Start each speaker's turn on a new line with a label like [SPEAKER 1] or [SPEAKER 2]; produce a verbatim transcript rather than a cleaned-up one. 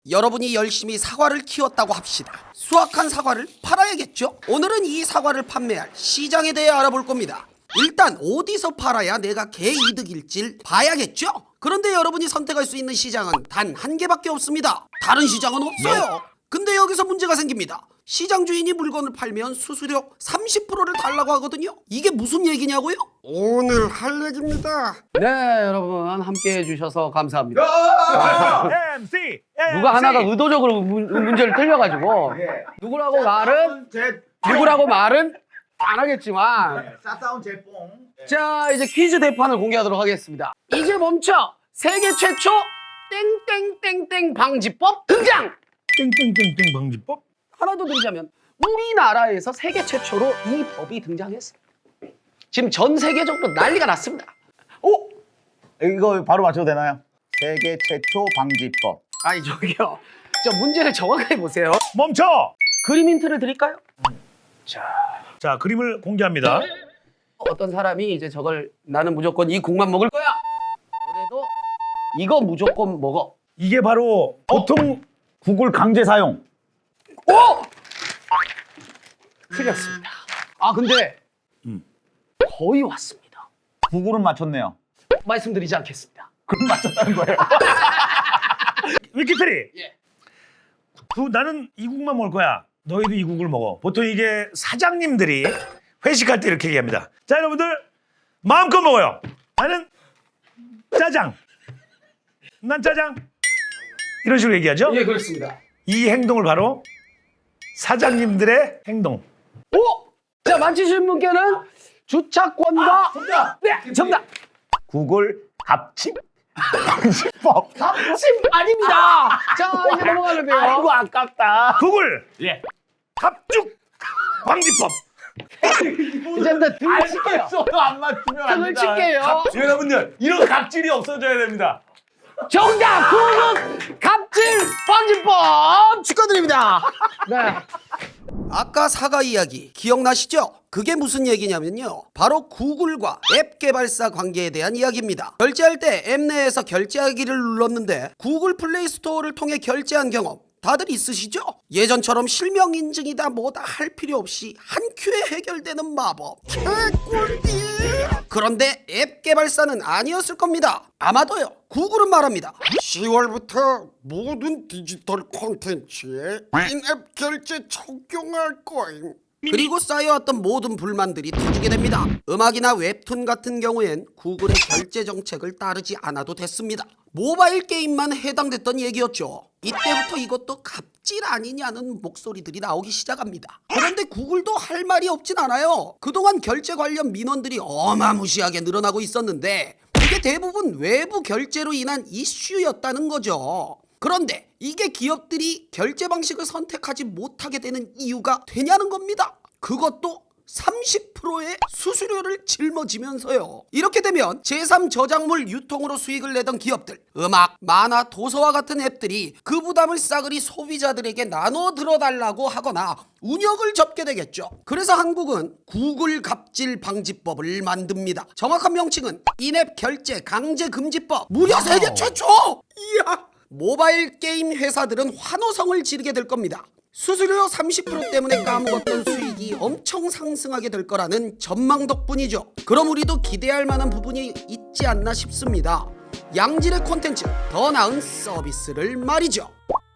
[SPEAKER 1] 여러분이 열심히 사과를 키웠다고 합시다. 수확한 사과를 팔아야겠죠? 오늘은 이 사과를 판매할 시장에 대해 알아볼 겁니다. 일단 어디서 팔아야 내가 개이득일지 봐야겠죠? 그런데 여러분이 선택할 수 있는 시장은 단 한 개밖에 없습니다. 다른 시장은 없어요. 근데 여기서 문제가 생깁니다. 시장 주인이 물건을 팔면 수수료 삼십 퍼센트를 달라고 하거든요. 이게 무슨 얘기냐고요? 오늘 할 얘기입니다.
[SPEAKER 2] 네, 여러분 함께 해주셔서 감사합니다.
[SPEAKER 3] 엠씨
[SPEAKER 2] 누가 하나가 의도적으로 문, 문제를 틀려가지고 누구라고 말은 누구라고 말은 안 하겠지만
[SPEAKER 3] 싸싸운 제뽕.
[SPEAKER 2] 자 이제 퀴즈 대판을 공개하도록 하겠습니다. 이제 멈춰 세계 최초 땡땡땡땡 방지법 등장.
[SPEAKER 3] 땡땡땡땡 방지법?
[SPEAKER 2] 하나 더 드리자면 우리나라에서 세계 최초로 이 법이 등장했어요. 지금 전 세계적으로 난리가 났습니다. 오!
[SPEAKER 4] 이거 바로 맞춰도 되나요? 세계 최초 방지법.
[SPEAKER 2] 아니 저기요. 저 문제를 정확하게 보세요.
[SPEAKER 3] 멈춰.
[SPEAKER 2] 그림 힌트를 드릴까요? 자,
[SPEAKER 3] 자, 그림을 공개합니다.
[SPEAKER 2] 어떤 사람이 이제 저걸 나는 무조건 이 국만 먹을 거야. 너네도 이거 무조건 먹어.
[SPEAKER 3] 이게 바로 보통
[SPEAKER 4] 구글 강제 사용.
[SPEAKER 2] 오! 틀렸습니다. 아 근데
[SPEAKER 3] 음.
[SPEAKER 2] 거의 왔습니다.
[SPEAKER 4] 구글은 맞췄네요.
[SPEAKER 2] 말씀드리지 않겠습니다.
[SPEAKER 4] 그럼 맞췄다는 거예요.
[SPEAKER 3] 위키트리.
[SPEAKER 2] 예.
[SPEAKER 3] 그, 나는 이국만 먹을 거야. 너희도 이국을 먹어. 보통 이게 사장님들이 회식할 때 이렇게 얘기합니다. 자, 여러분들 마음껏 먹어요. 나는 짜장. 난 짜장. 이런 식으로 얘기하죠.
[SPEAKER 2] 예 그렇습니다.
[SPEAKER 3] 이 행동을 바로 사장님들의 행동.
[SPEAKER 2] 오! 자 맞히신 분께는 주차권과
[SPEAKER 4] 정답!
[SPEAKER 2] 네 정답.
[SPEAKER 4] 구글 갑집 방지법.
[SPEAKER 2] 갑집 아닙니다. 자 이제 넘어가는데요.
[SPEAKER 4] 아이고 아깝다.
[SPEAKER 3] 구글
[SPEAKER 4] 예.
[SPEAKER 3] 갑죽 방지법.
[SPEAKER 2] 이제 일단 등을 칠게요.
[SPEAKER 4] 안 맞추면 안
[SPEAKER 2] 등을
[SPEAKER 4] 된다.
[SPEAKER 2] 칠게요.
[SPEAKER 4] 여러분들 이런 갑질이 없어져야 됩니다.
[SPEAKER 2] 정답! 구급 갑질 방지법 축하드립니다. 네.
[SPEAKER 1] 아까 사과 이야기 기억나시죠? 그게 무슨 얘기냐면요. 바로 구글과 앱 개발사 관계에 대한 이야기입니다. 결제할 때 앱 내에서 결제하기를 눌렀는데 구글 플레이 스토어를 통해 결제한 경험 다들 있으시죠? 예전처럼 실명 인증이다 뭐다 할 필요 없이 한 큐에 해결되는 마법. 개꿀띠. 그런데 앱 개발사는 아니었을 겁니다. 아마도요. 구글은 말합니다. 시월부터 모든 디지털 콘텐츠에 인앱 결제 적용할 거임. 그리고 쌓여왔던 모든 불만들이 터지게 됩니다. 음악이나 웹툰 같은 경우엔 구글의 결제 정책을 따르지 않아도 됐습니다. 모바일 게임만 해당됐던 얘기였죠. 이때부터 이것도 갑질 아니냐는 목소리들이 나오기 시작합니다. 그런데 구글도 할 말이 없진 않아요. 그동안 결제 관련 민원들이 어마무시하게 늘어나고 있었는데 이게 대부분 외부 결제로 인한 이슈였다는 거죠. 그런데 이게 기업들이 결제 방식을 선택하지 못하게 되는 이유가 되냐는 겁니다. 그것도 삼십 퍼센트의 수수료를 짊어지면서요. 이렇게 되면 제삼 저작물 유통으로 수익을 내던 기업들, 음악, 만화, 도서와 같은 앱들이 그 부담을 싸그리 소비자들에게 나눠 들어달라고 하거나 운영을 접게 되겠죠. 그래서 한국은 구글 갑질 방지법을 만듭니다. 정확한 명칭은 인앱 결제 강제 금지법. 무려 세계 최초! 이야! 모바일 게임 회사들은 환호성을 지르게 될 겁니다. 수수료 삼십 퍼센트 때문에 까먹었던 수익이 엄청 상승하게 될 거라는 전망 덕분이죠. 그럼 우리도 기대할 만한 부분이 있지 않나 싶습니다. 양질의 콘텐츠, 더 나은 서비스를 말이죠.